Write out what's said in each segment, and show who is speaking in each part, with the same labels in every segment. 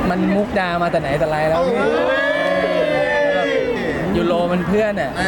Speaker 1: มันมุกดามาแต่ไหนแต่ไรแล้วพี่ยูโรมันเพื่อนอ่ะ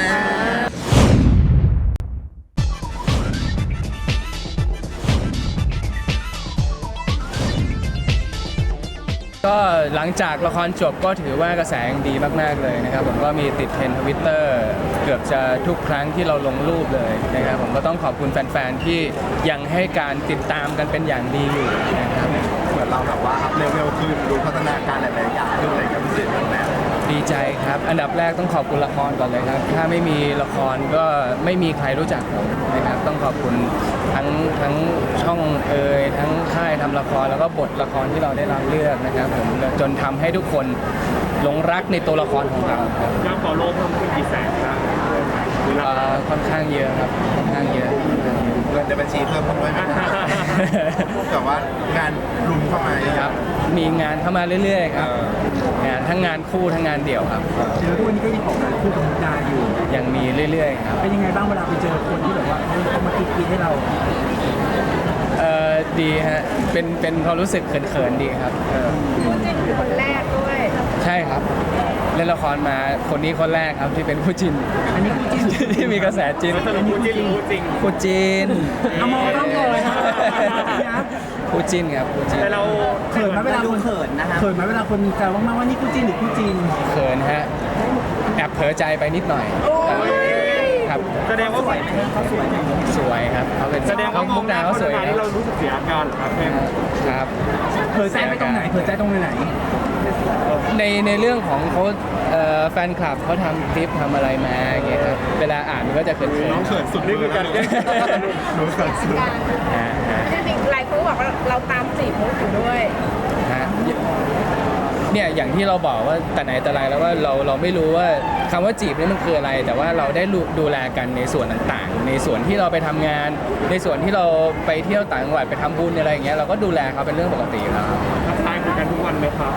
Speaker 1: ก็หลังจากละครจบก็ถือว่ากระแสดีมากๆเลยนะครับผมก็มีติดเทรนด์ Twitter เกือบจะทุกครั้งที่เราลงรูปเลยนะครับผมก็ต้องขอบคุณแฟนๆที่ยังให้การติดตามกันเป็นอย่างดีอยู่นะครับ
Speaker 2: เหมือนเราแบบว่าอัพเลเวลขึ้นดูพัฒนาการหลายๆอย่างขึ้นอะไรกับพิเศษแบบนั้น
Speaker 1: ดีใจครับอันดับแรกต้องขอบคุณละครก่อนเลยครับถ้าไม่มีละครก็ไม่มีใครรู้จักผมนะครับต้องขอบคุณทั้งช่องทั้งค่ายทำละครแล้วก็บทละครที่เราได้รับเลือกนะครับผมจนทำให้ทุกคนหลงรักในตัวละครของเราครับ
Speaker 3: ยอดฟอลโล่เพิ่มขึ้นกี่แสนครับ
Speaker 1: ค่อนข้างเยอะครับค่อนข้างเยอะ
Speaker 2: เงินในบัญชีเพิ่มขึ้นด้วยไหมแต่ว่างานรุมเข้ามา
Speaker 1: ครับมีงานเข้ามาเรื่อยๆครับงานทั้งงานคู่ทั้งงานเดี่ยวครับ
Speaker 4: เจอทุกวันนี้ก็ยังออกงานคู่กับมุกดาอยู่
Speaker 1: ยังมีเรื่อยๆครับ
Speaker 4: เป็นยังไงบ้างเวลาไปเจอคนที่แบบว่าเขามากิ๊กให้เรา
Speaker 1: ดีฮะเป็นความรู้สึกเขินๆดีครับ
Speaker 5: คู่จิ้นคือคนแรกด้วย
Speaker 1: ใช่ครับเล่นละครมาคนนี้คนแรกครับที่เป็นคู่จิ้น
Speaker 4: อันนี้คู่จิ้น
Speaker 1: ที่มีกระแสจิ้น
Speaker 3: คู่จิ้นคู่จริง
Speaker 1: คู่จิ้น
Speaker 4: เอามองต้องเลย
Speaker 1: คู่จิ้นครับคู่จิ้น
Speaker 3: แต่เรา
Speaker 4: เขินไหมเวลาคนเขินนะคะเขินไหมเวลาคนมีแซวมากๆว่านี่คู่จิ้นหรือคู่จริง
Speaker 1: เขินฮะแอบเผลอใจไปนิดหน่อยครับ
Speaker 3: แสดงว่า
Speaker 4: เขาสวย
Speaker 1: สวยครับเขาเป็น
Speaker 3: แสดงว่ามุกดาเขาสวยที่เรารู้สึกเสียอาการ
Speaker 1: ครับ
Speaker 4: เผลอใจไปตรงไหนเผลอใจตรงไหน
Speaker 1: ในเรื่องของเขาแฟนคลับเขาทำคลิปทำอะไรมาอย่างเงี้ยครับเวลาอ่านมันก็จะเขิน
Speaker 2: น้องเขินสุด
Speaker 3: นี่คือการแก้
Speaker 2: น้องเขินสุด
Speaker 5: จริงๆหลายคนบอกว่าเราตามจีบมุกอยู่ด้วย
Speaker 1: เนี่ยอย่างที่เราบอกว่าแต่ไหนแต่ไรแล้วว่าเราไม่รู้ว่าคำว่าจีบนี่มันคืออะไรแต่ว่าเราได้ดูแลกันในส่วนต่างๆในส่วนที่เราไปทำงานในส่วนที่เราไปเที่ยวต่างจังหวัดไปทำบุญอะไรอย่างเงี้ยเราก็ดูแลเขาเป็นเรื่องปกติแล้ว
Speaker 3: ทักทายคุยกันทุกวันไหมครับ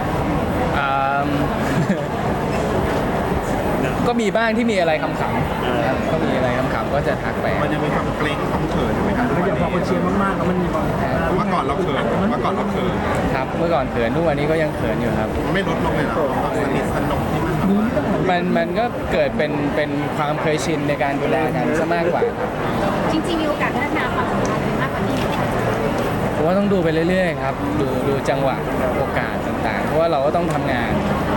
Speaker 1: ก็มีบ้างที่มีอะไรคำๆก็มีอะไรคำๆก็จะทักไป
Speaker 2: มันยังมีความเกรงความเขินอยู่ไหมครับ
Speaker 4: มันยังพอคนเชียร์มากๆแล้วมันมีความ
Speaker 2: เมื่อก่อนเราเขิน
Speaker 1: ครับเมื่อก่อนเขินทุกวันนี้ก็ยังเขินอยู่ครับ
Speaker 2: ไม่ลดลงเลยหรอสนิทสนมที่
Speaker 1: มันก็เกิดเป็นความเคยชินในการดูแลกันซะมากกว่า
Speaker 5: จริงๆมีโอกาสพัฒนาความสัมพันธ์มากกว่านี้
Speaker 1: ผมว่าต้องดูไปเรื่อยๆครับดูจังหวะโอกาสต่างๆเพราะว่าเราก็ต้องทำงาน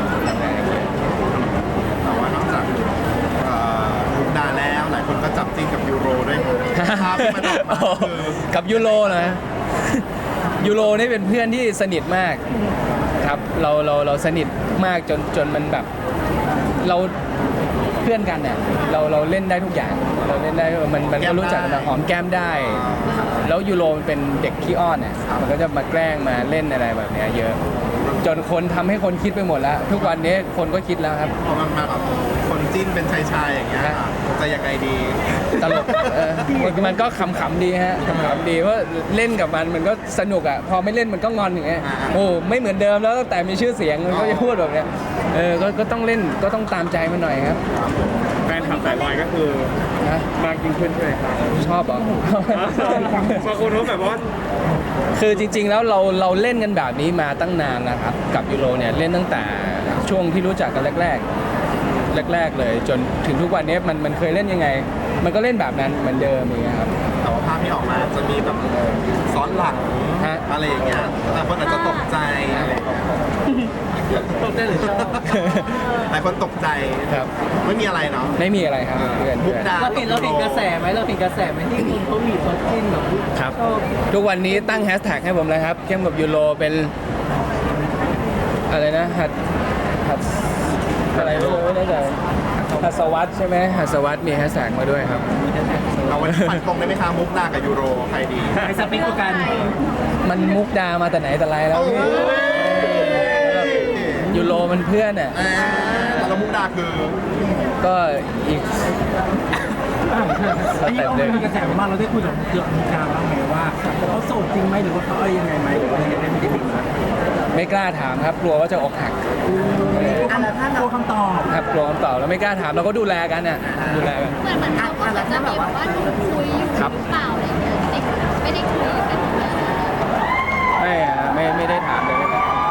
Speaker 2: แต่ว่านอกจากมุกดาแล้วหลายคนก็จับจิ้นกับยูโรด้วยครับ
Speaker 1: กับยูโรนะยูโรนี่เป็นเพื่อนที่สนิทมากครับเราสนิทมากจนมันแบบเราเพื่อนกันเนี่ยเราเล่นได้ทุกอย่างเราเล่นได้มันก็รู้จักกันหอมแก้มได้แล้วยูโรมันเป็นเด็กขี้อ้อนเนี่ยมันก็จะมาแกล้งมาเล่นอะไรแบบนี้เยอะจนคนทำให้คนคิดไปหมดแล้วทุกวันนี้คนก็คิดแล้วครับ
Speaker 2: พอมันมาแบบคนจิ้นเป็นชายอย่างเงี้ยจะยังไงดี
Speaker 1: ตลกมันก็ขำๆดีฮะขำๆดีว่าเล่นกับมันก็สนุกอ่ะพอไม่เล่นมันก็งอนอย่างเงี้ยโอ้ไม่เหมือนเดิมแล้วตั้งแต่มีชื่อเสียงมันก็จะพูดแบบเนี้ยก็ต้องเล่นก็ต้องตามใจมันหน่อยครับ
Speaker 3: แฟนคลับสายลอยก็คือมากยิ่งขึ้นใช่ไหมครับ
Speaker 1: ชอบเหรอบ
Speaker 3: างคนเขาแบบว่า
Speaker 1: คือจริงๆแล้วเราเล่นกันแบบนี้มาตั้งนานนะครับกับยูโรเนี่ยเล่นตั้งแต่ช่วงที่รู้จักกันแรกเลยจนถึงทุกวันนี้มันเคยเล่นยังไงมันก็เล่นแบบนั้นเหมือนเดิมอย่างเงี้ยครับ
Speaker 2: แต่ว่าภาพที่ออกมาจะมีแบบซ้อนหลังอะไรอย่างเงี้ยแต่คนอาจจะตกใจอะไร
Speaker 4: ตกใจหรือชอบ
Speaker 2: หลายคนตกใจ
Speaker 1: ครับ
Speaker 2: ไม่มีอะไรเนาะ
Speaker 1: ไม่มีอะไรครับ
Speaker 4: มุกดาเราเห็นกระแสไหมเราเห็นกระแสไหมที่คุณเขามีคนจิ้นแบบ
Speaker 1: ครับทุกวันนี้ตั้งแฮชแท็กให้ผมเลยครับเข้มกับยูโรเป็นอะไรนะหัดอะไรไม่แน่ใจหัสวัตใช่ไหมหัสวัตมีแฮชแท็กมาด้วยครับ
Speaker 2: เอาวันฟันตรงได้ไหมคะมุกดากับยูโรใครดี
Speaker 4: ใครสเปคกัน
Speaker 1: มันมุกดามาแต่ไหนแต่ไรแล้วยูโรมันเพื่อนอ่ะ
Speaker 2: แล้วมุกดาคือ
Speaker 1: ก็อีก
Speaker 4: อันนี้เขามีกระแสมากเราได้คุยกับมุกดาบ้างไหมว่าเขาโสดจริงไหมหรือว่าเขาอะไรยังไงไหมหรือว่ายังไงไม่ได้บิน
Speaker 1: ไม่กล้าถามครับกลัวว่าจะอกหัก
Speaker 4: กลัวคำตอบ
Speaker 1: ครับกลัวคำตอบแล้วไม่กล้าถามเราก็ดูแลกันน่ะดูแลกัน
Speaker 5: เหมือนเขาก็จะมีแบบว่าคุยอยู่หรือเปล่าอะไรอย่างเงี้ยไม่ได้คุยกัน
Speaker 1: ไม่ได้ถามเลย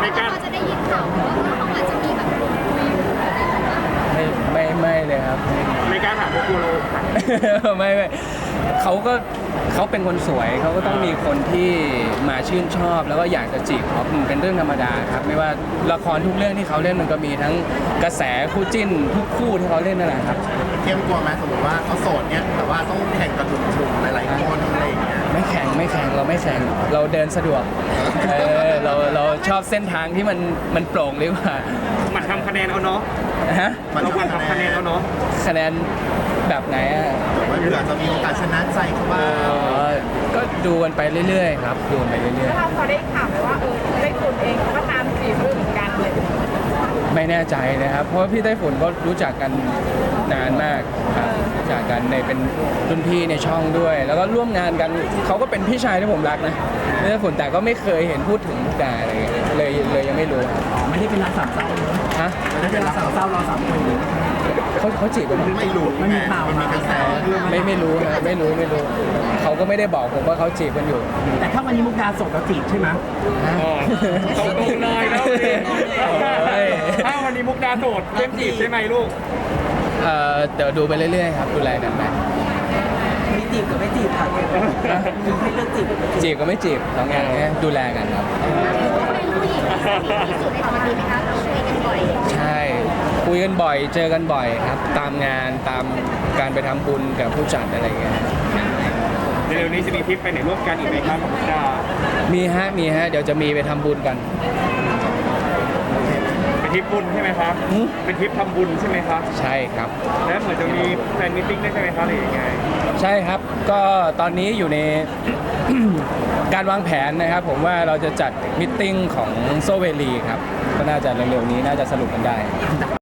Speaker 3: ไม่กล้า
Speaker 6: เราจะได้ยินข่าวว่าเขาอาจจะมีแบบคุยอะไรแบบนี้
Speaker 1: ไม่เลยครับ
Speaker 3: ไม่กล้าถามพวกกูโล
Speaker 1: ไม่เขาเป็นคนสวยเขาก็ต้องมีคนที่มาชื่นชอบ แล้วก็อยากจะจีบเขามันเป็นเรื่องธรรมดาครับไม่ว่าละครทุกเรื่องที่เขาเล่นมันก็มีทั้งกระแสคู่จิ้นทุกคู่ที่เขาเล่นนั่นแหละครับ
Speaker 2: เข้มกลัวไหมสมมติว่าเขาโสดเนี่ยแต่ว่าต้องแข่งกับหนุ่มๆหลายๆคนอะไรอย่างเงี้ย
Speaker 1: ไม่แข่งเราไม่แข่งเราเดินสะดวกเราชอบเส้นทางที่มันโปร่งดีกว่า
Speaker 3: มันทำคะแนนเอาเนาะ
Speaker 1: ฮะ
Speaker 3: เราควรทำคะแนนเอาเนาะ
Speaker 1: คะแนนแบบไหนอ่ะ
Speaker 2: แบบว่าเผื่อจะมีโอกาสชนะใจเขาบ้าง
Speaker 1: ก็ดูกันไปเรื่อยๆครับดูกันไปเรื่อย
Speaker 5: แล้วเราพอได้ข่าวไหมว่าได้คุณเองเขาก็ตามจีบเรื่องเหมือนกันเลย
Speaker 1: ๆไม่แน่ใจนะครับ เพราะว่าพี่ไต้ฝุ่นก็รู้จักกันนานมากครับรู้จักกันในเป็นรุ่นพี่ในช่องด้วย แล้วก็ร่วมงานกันเขาก็เป็นพี่ชายที่ผมรักนะพี่ไต้ฝุ่นแต่ก็ไม่เคยเห็นพูดถึงมุกดาอะไรอย่างเงี้ยเลยยังไม่รู้ครับ
Speaker 4: อ๋อไม่ได้เป็นรักสามเศร้าเนอะ
Speaker 1: ฮะ
Speaker 4: ไม่ได้เป็นรักสามเศร้าเราสามคนหรือ
Speaker 1: เขาจีบกันไหม
Speaker 2: ไม่รู้
Speaker 4: ไม่มีข่าว
Speaker 2: มันมีกระแสเรื่อง
Speaker 1: ไม่รู้นะไม่รู้เขาก็ไม่ได้บอกผมว่าเขาจีบกันอยู่
Speaker 4: แต่ถ้าวันนี้มุกดาส่งเราจีบใช่ไหม
Speaker 3: ตรงๆเลยแล้วเลย
Speaker 1: โอ้ย
Speaker 3: ถ้าวันนี้มุกดาโสดเข้มจีบใช่ไหมลูก
Speaker 1: เดี๋ยวดูไปเรื่อยๆครับดูแลกันไป
Speaker 4: มีจีบกับไม่จีบค่ะให้เลือกจีบ
Speaker 1: จีบก็ไม่จีบสองอย่างเนี้ยดูแลกันครับ
Speaker 6: เขาเป็นผู้หญิงที่สนิทที่สุดในตอนนี้ไหมคะเราคุยกันบ่อย
Speaker 1: ใช่คุยกันบ่อยเจอกันบ่อยครับ ตามงานตามการไปทำบุญกับผู้จัดอะไรเงี้ย
Speaker 3: เร็วๆนี้จะมีทริปไปไหนร่วมกันอีกไหมครับมุกดา
Speaker 1: มีฮะเดี๋ยวจะมีไปทำบุญกัน
Speaker 3: เป็นทริปบุญใช่ไหมครับ
Speaker 1: หืม
Speaker 3: เป็นทริปทำบุญใช่ไหมครับ
Speaker 1: ใช่ครับ
Speaker 3: แล้วเหมือนจะมีแฟนมิทติ้งด้วยใช่ไหมครับหรือยังไง
Speaker 1: ใช่ครับก็ตอนนี้อยู่ใน การวางแผนนะครับ ผมว่าเราจะจัดมิทติ้งของโซเวลีครับก็น่าจะเร็วๆนี้น่าจะสรุปกันได้